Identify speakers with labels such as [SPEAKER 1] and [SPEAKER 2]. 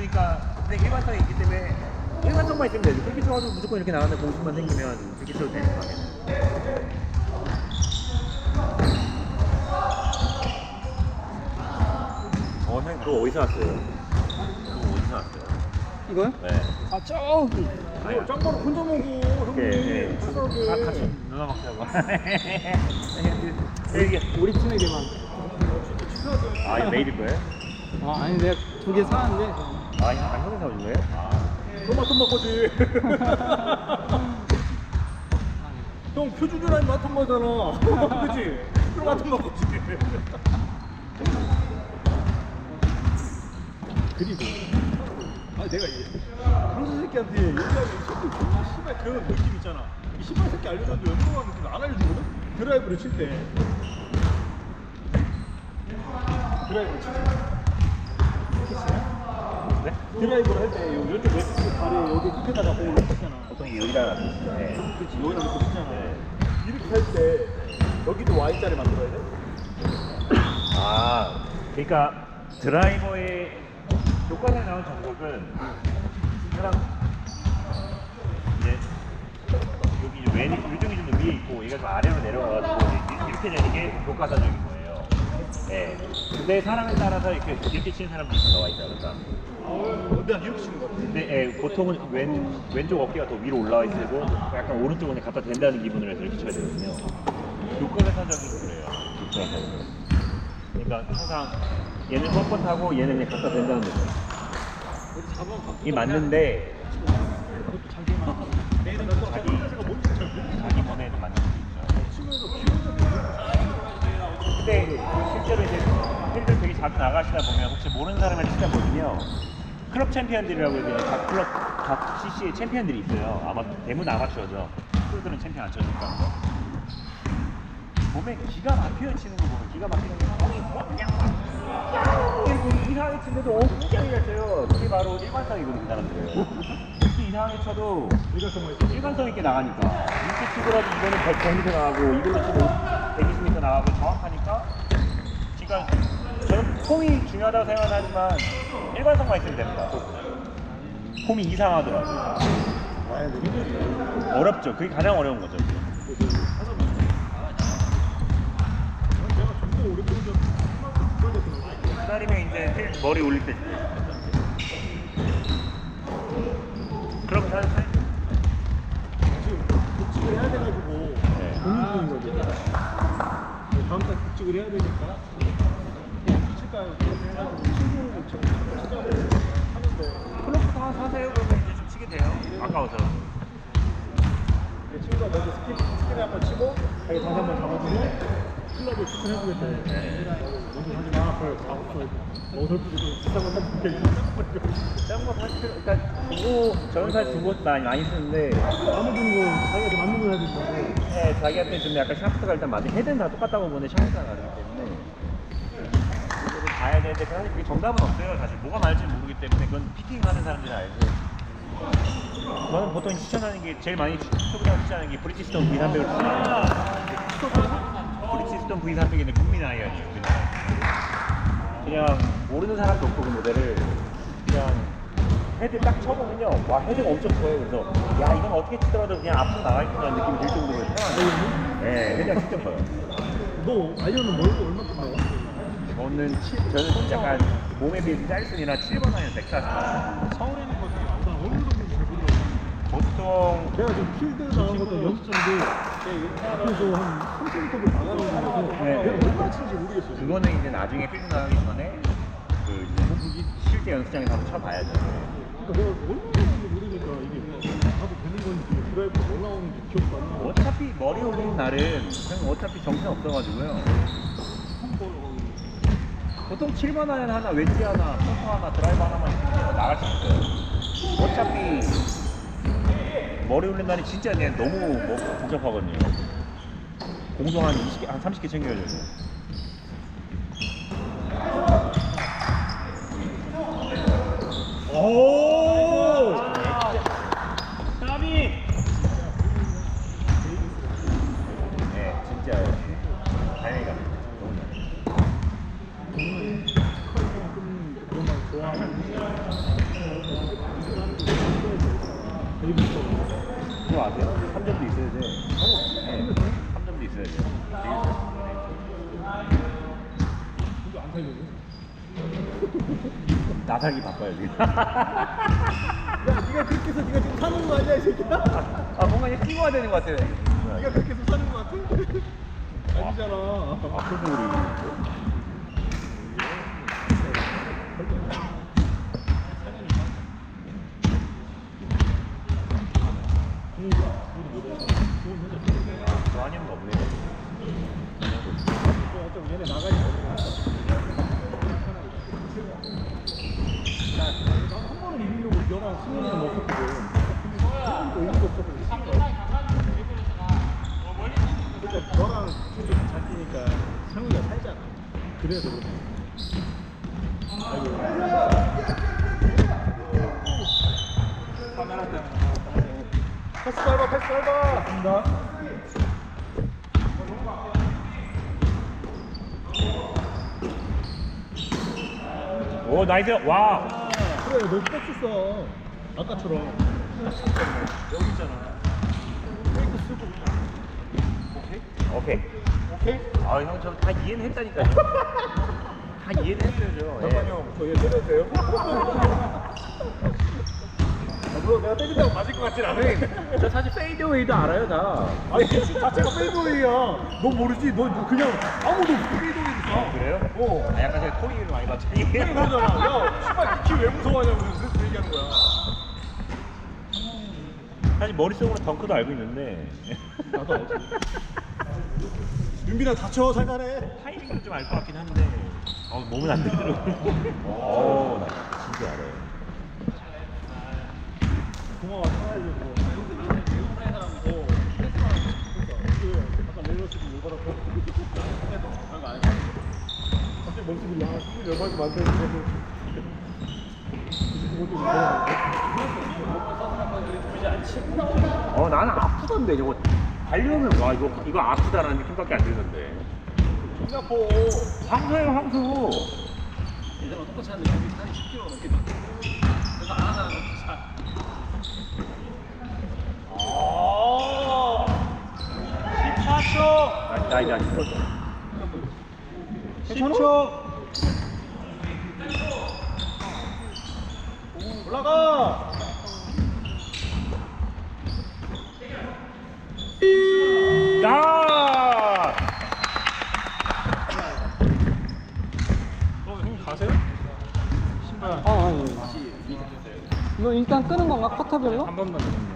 [SPEAKER 1] 그러니까 근데 일관성이 있기 때문에 일관성만 있으면 되죠. 그렇게 쳐가지고 무조건 이렇게 나가는 공식만 생기면 그렇게 쳐도 되는 거 아니에요? 선생님 그거 어디서 왔어요? 그거 어디서 왔어요?
[SPEAKER 2] 이거요?
[SPEAKER 1] 네.
[SPEAKER 2] 아 저기.
[SPEAKER 1] 아니요.
[SPEAKER 3] 짱구를 혼자 먹어 형님. 불쌍하게.
[SPEAKER 1] 다 같이 누나 먹자고. 이게
[SPEAKER 2] 우리 팀에게만.
[SPEAKER 1] 아 이거 내일일 거예요?
[SPEAKER 2] 아 아니 내가 2개 사왔는데.
[SPEAKER 1] 아 이거 형이 사준 거예요? 아.
[SPEAKER 3] 토마토 먹거지. 형 표준이라는 마토 먹잖아. 그치? 토마토 먹거지. 그리고 내가 강수 새끼한테 얘기하면 이 새끼 존나 씨발 그런 느낌 있잖아. 이 씨발 새끼 알려줬는데 왜 물어봤는데 느낌 안 알려주거든? 드라이브를 칠 때. 드라이브를 칠 때.
[SPEAKER 1] 네?
[SPEAKER 3] 드라이브를 할 때 이쪽 왼쪽 다리 여기 끝에다가 공을 놓쳤잖아.
[SPEAKER 1] 보통 여기다가 네.
[SPEAKER 3] 그렇지 여기다 놓고 치잖아. 이렇게 할 때 여기도 Y자를 만들어야 돼?
[SPEAKER 1] 아 그러니까 드라이버의 교과서에 나온 정석은 사람 이제 여기 이제 요정이 좀 더 위에 있고 얘가 좀 아래로 내려가가지고 이렇게 되는 게 교과서적인 거예요. 네. 근데 사람에 따라서 이렇게 치는 사람도 나와 있다 그러니까.
[SPEAKER 3] 내가 이렇게 치는 거 같아.
[SPEAKER 1] 근데 보통은 왼쪽 어깨가 더 위로 올라와 있고 약간 오른쪽은 갖다 댄다는 기분으로 해서 이렇게 쳐야 되거든요. 교과서적인 거예요. 교과서. 그러니까 항상 얘는 뻣뻣하고 얘는 그냥 갖다 댄다는 거죠. 이게 맞는데 자기 몸에도 맞는 게 있죠. 근데 실제로 이제 필드를 되게 자주 나가시다 보면 혹시 모르는 사람을 치다 보면요. 클럽 챔피언들이라고 해서 각 클럽, 각 CC의 챔피언들이 있어요. 아마 대부분 아마추어죠. 프로들은 챔피언 안 쳐주니까. 몸에 기가 막히게 치는 거 보면 기가 막히는 게 형이 그냥 막 이상하게 치는데도 엄청 잘 쳐요. 그게 바로 일관성이거든요, 그 사람들은. 이렇게 이상하게 쳐도 일관성 있게 나가니까 이렇게 치더라도 이거는 100m 나가고 이걸로 치고 120m 나가고 정확하니까 그러니까 저는 폼이 중요하다고 생각하지만 일관성만 있으면 됩니다. 폼이 이상하더라고요. 어렵죠. 그게 가장 어려운 거죠. 기다리면 이제 머리 올릴 때 그럼 잘
[SPEAKER 3] 지금 복직을 해야 돼가지고 고민 중인 거지. 다음 달 복직을 해야 되니까 그냥 칠까요? 해가지고 친구를 찾아보고 하는데
[SPEAKER 1] 클럽부터 하나 사세요. 그러면 이제 좀 치게 돼요. 아까워서.
[SPEAKER 3] 내 친구가 먼저 스킬을 한번 치고 자기 다시 한번 잡아주고 클럽을 추천해주겠대. 먼저 하지 마. 어설프게 비싼 거 사줄게.
[SPEAKER 1] 짠거 사실 일단 두고 저는 사실 두고 많이 쓰는데
[SPEAKER 3] 마음에 드는 거 자기가 더 맞는 거 해야 된다고.
[SPEAKER 1] 네, 자기한테 좀 약간 샤프트가 일단 맞는 헤드는 다 똑같다고 보는데 샤프트가 다르기 때문에 이거를 봐야 되는데 사실 그게 정답은 없어요. 사실 뭐가 맞을지 모르기 때문에 그건 피팅하는 사람들이 알지. 저는 보통 추천하는 게 제일 많이 추천하는 게 브리지스톤 V300을 추천합니다. 브리지스톤 V300은 국민 아이언이에요. 그냥 모르는 사람도 없고 그 모델을 그냥 헤드 딱 쳐보면요. 와 헤드가 엄청 커요. 그래서 야 이건 어떻게 치더라도 그냥 앞으로 나가겠구나 느낌이 들 정도로 편하네요. 네, 헤드가 진짜 커요.
[SPEAKER 3] 너 아이언은 멀고 얼마큼 나와?
[SPEAKER 1] 저는 약간 몸에 비해서 짧으니라 7번 아니면 140.
[SPEAKER 3] 서울에 있는 것도 난 어느 정도인지 잘 모르겠어.
[SPEAKER 1] 보통
[SPEAKER 3] 내가 지금 필드 나간 것도 연습장도 앞에서 한 30m를 나가는 거라서
[SPEAKER 1] 네.
[SPEAKER 3] 내가 얼마나 치는지 모르겠어.
[SPEAKER 1] 그거는 이제 나중에 필드 나가기 전에 그 이제 실제 연습장에서 한번 쳐봐야죠.
[SPEAKER 3] 그러니까 내가 얼마나 치는지 모르니까 이게 나도 되는 건지 드라이브 올라오는지 기억도 안 나.
[SPEAKER 1] 어차피 머리 올리는 날은 그냥 어차피 정신 없어가지고요. 보통 7번 아이언 하나, 웨지 하나, 퍼터 하나, 드라이버 하나만 있으면 나갈 수 있어요. 어차피 머리 올린 날이 진짜 그냥 너무 복잡하거든요. 공동 한 20개, 한 30개 챙겨야 돼요.
[SPEAKER 3] 오!
[SPEAKER 1] 까비! 네, 진짜 다행이다. 너무 잘해.
[SPEAKER 3] 그런 말 좋아하는 되게 무서워.
[SPEAKER 1] 그거 아세요? 3점도 있어야 돼. 네. 3점도 있어야 돼.
[SPEAKER 3] 이거 안 살려줘.
[SPEAKER 1] 나살기 바빠요 지금.
[SPEAKER 3] 야, 네가 그렇게 해서 네가 지금 사는 거 아니야, 이 새끼야?
[SPEAKER 1] 아 뭔가 이제 끼고 와야 되는 것 같아요.
[SPEAKER 3] 네가 그렇게 해서 사는 거 같아? 아니잖아.
[SPEAKER 1] 아 그거 우리. 저 아니면 없네요.
[SPEAKER 3] 어차피 얘네 나가니까. 한 번은 이기려고 너랑 승현이는 먹었거든. 또 의미가 없어서. 그러니까 너랑 좀 잘 뛰니까 상우가 살잖아. 그래서 그래. 카메라 때문에. 패스 밟아, 패스 밟아. 간다.
[SPEAKER 1] 오 나이스 와.
[SPEAKER 3] 그래, 너 패스 써. 아까처럼. 여기 있잖아. 페이크 쓰고.
[SPEAKER 1] 오케이.
[SPEAKER 3] 오케이?
[SPEAKER 1] 아 형 저 다 이해는 했다니까요. 다 이해는 했어요 저.
[SPEAKER 3] 잠깐만요. 저얘 때려도 돼요? 물론 내가 때린다고 맞을 것 같진 않아.
[SPEAKER 1] 저 사실 페이드웨이도 알아요 다.
[SPEAKER 3] 아니 자체가 페이드웨이야. 너 모르지? 너 그냥 아무도 없이 페이드웨이 써.
[SPEAKER 1] 그래요? 아 약간 제가 토익을 많이 봤더니.
[SPEAKER 3] 그러잖아. 야, 씨발 니키 왜 무서워하냐고 그래서 얘기하는 거야.
[SPEAKER 1] 사실 머릿속으로 덩크도 알고 있는데
[SPEAKER 3] 나도 알지. 윤빈아 다쳐 살살해.
[SPEAKER 1] 타이밍도 좀 알 것 같긴 한데 몸은 안 되더라고. 나 진짜 알아요.
[SPEAKER 3] 고마워 살아야지 뭐. 일본의 사람이고 아까 레이더스도 열받았고. 별거 아니야. 갑자기 멈추길래 승리 열받고 많다고.
[SPEAKER 1] 나는 아프던데 저거 달려면 와 이거 아프다라는 느낌밖에 안 들던데.
[SPEAKER 3] 존나 아파.
[SPEAKER 1] 황소예요 황소.
[SPEAKER 2] 예전랑 똑같이 하는데 여기 살이 10kg 넘게 나. 그래서 안 하는 거 잘.
[SPEAKER 3] 아. 14초.
[SPEAKER 1] 나이다
[SPEAKER 3] 10초. 올라가.
[SPEAKER 1] 야!
[SPEAKER 3] 형님 가세요? 신발.
[SPEAKER 2] 아니. 이거 일단 끄는 건가? 커터별로?
[SPEAKER 3] 한 번만.